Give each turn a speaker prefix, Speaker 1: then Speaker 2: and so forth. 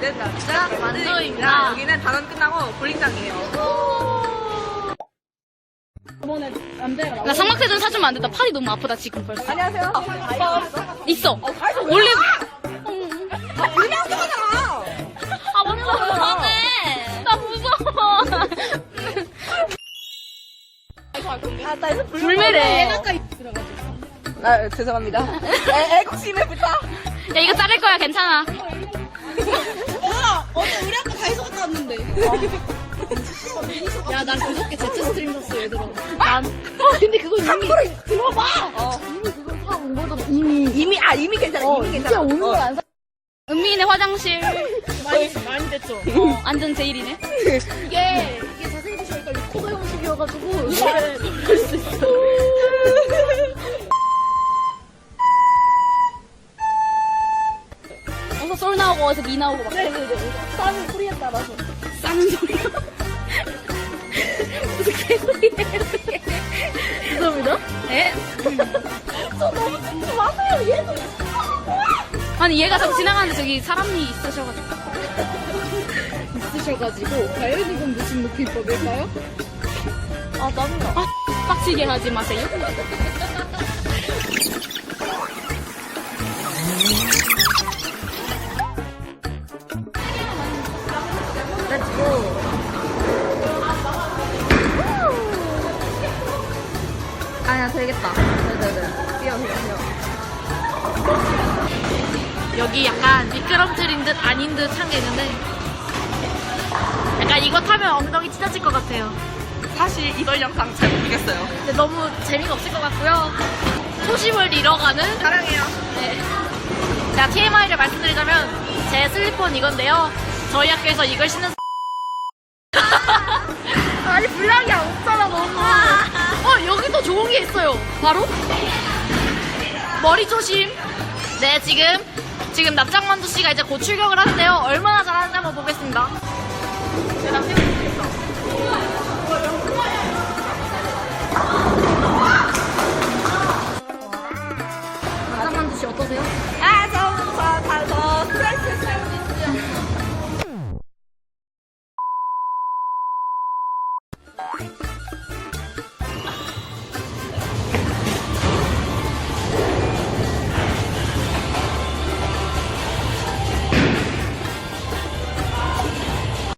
Speaker 1: 있는 남자 만두입니다. 여기는 단원 끝나고 볼링장이에요.
Speaker 2: 나 삼각대전 사주면 안 된다. 팔이 너무 아프다 지금 벌써.
Speaker 1: 안녕하세요.
Speaker 2: 있어. 원래
Speaker 1: 유명하잖아.
Speaker 2: 아 무서워. 나 무서워. 불매래.
Speaker 1: 아 죄송합니다. 애국심에 붙다.
Speaker 2: 야 이거 자를 거야 괜찮아.
Speaker 3: 어제 우리 아까 다이소 갔다 왔는데. 야, 난 5개 제트 스트림 샀어, 얘들아. 근데 그거 이미 들어봐. 이미 그거 사온 거잖아.
Speaker 1: 이미 괜찮아. 이미 괜찮아.
Speaker 3: 진짜 오는 걸 안 사.
Speaker 2: 은민이네 화장실.
Speaker 3: 많이 됐죠.
Speaker 2: 완전 제일이네.
Speaker 3: 이게 자세히 보시니까 이 코드 형식이어가지고 이거를 볼 수 있어.
Speaker 2: 어서 솔 나오고 어서 미 나오고 막.
Speaker 3: 싸는 소리에 따라서.
Speaker 2: 싸는 소리야. 무슨 개소리예요 이게.
Speaker 3: 죄송합니다.
Speaker 2: 네?
Speaker 3: 저 너무 찜찜하세요, 얘도.
Speaker 2: 아니 얘가 자꾸 지나가는데 저기 사람이 있으셔가지고.
Speaker 3: 있으셔가지고, 가연이건 무슨 비법일까요? 아, 땀나.
Speaker 2: 아 빡치게 하지 마세요.
Speaker 1: 아니야 되겠다. 네네네. 뛰어.
Speaker 2: 여기 약간 미끄럼틀인 듯 아닌 듯 한 게 있는데 약간 이거 타면 엉덩이 찢어질 것 같아요.
Speaker 1: 사실 이번 영상 잘 모르겠어요.
Speaker 2: 근데 너무 재미가 없을 것 같고요. 초심을 잃어가는.
Speaker 1: 사랑해요.
Speaker 2: 네. 제가 TMI를 말씀드리자면 제 슬리퍼는 이건데요. 저희 학교에서 이걸 신는 아니 분량이 없잖아 너무. 여기도 좋은 게 있어요. 바로 머리 조심. 네 지금 납작만두 씨가 이제 곧 출격을 하는데요. 얼마나 잘하는지 한번 보겠습니다. 제가 세워주겠어. 납작만두 씨 어떠세요?
Speaker 1: 저 스트레스 살고 있어요.